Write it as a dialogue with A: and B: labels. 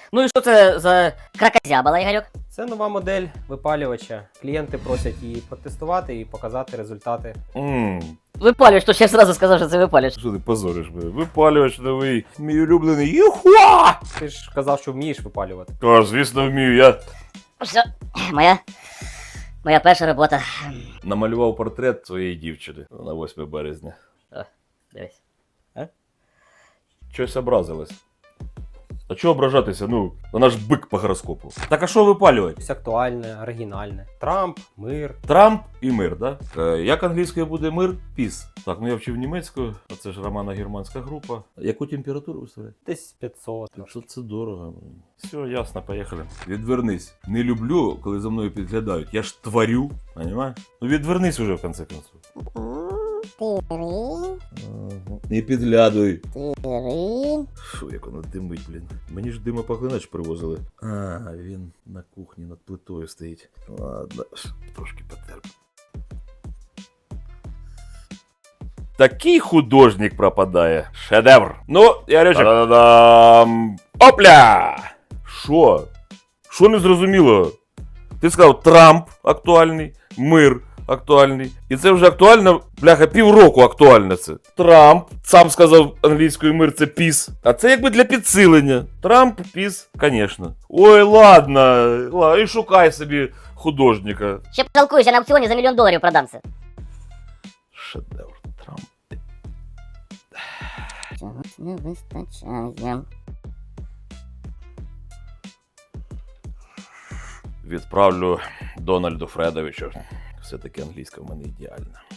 A: Ну і що це за кракозябала, Ігорьок?
B: Це нова модель випалювача. Клієнти просять її протестувати і показати результати.
A: Випалювач, то ще зразу сказав, що це випалювач.
C: Що ти позориш мене? Випалювач новий, мій улюблений. Юхуа!
B: Ти ж казав, що вмієш випалювати.
C: Та, звісно, вмію. Я
A: Все, моя перша робота.
C: намалював портрет своєї дівчини на 8 березня.
A: О, дивись.
C: Щось образилась. А чого ображатися? Ну, вона ж бик по гороскопу. Так а що випалювати?
B: Щось актуальне, оригінальне. Трамп, мир.
C: Трамп і мир, да? Як англійською буде мир? Піс. Так, ну я вчив німецькою, а це ж романо-германська група. Яку температуру виставляє?
B: Десь 500.
C: Що це дорого. Все, ясно, поїхали. Відвернись. Не люблю, коли за мною підглядають. Я ж творю, понимаєш? Ну відвернись уже, в конце концов. Не підглядуй. Фу, як воно димить, блін. Мені ж димопоглинач привозили. А, він на кухні над плитою стоїть. Ладно, трошки потерп. Такий художник пропадає. Шедевр. Ну, Ярючик. Та-да-дам. Опля! Що? Що не зрозуміло? Ти сказав, Трамп актуальний, мир актуальний. І це вже актуально, бляха, півроку актуально це. Трамп, сам сказав англійською мир, це піс. А це якби для підсилення. Трамп, піс, звісно. Ой, ладно, і шукай собі художника.
A: Ще потолкуєш, я на аукціоні за $1 мільйон продам це.
C: Шедевр, Трамп.
A: Чогось не вистачає.
C: Відправлю Дональду Фредовичу. Все-таки англійська в мене ідеальна.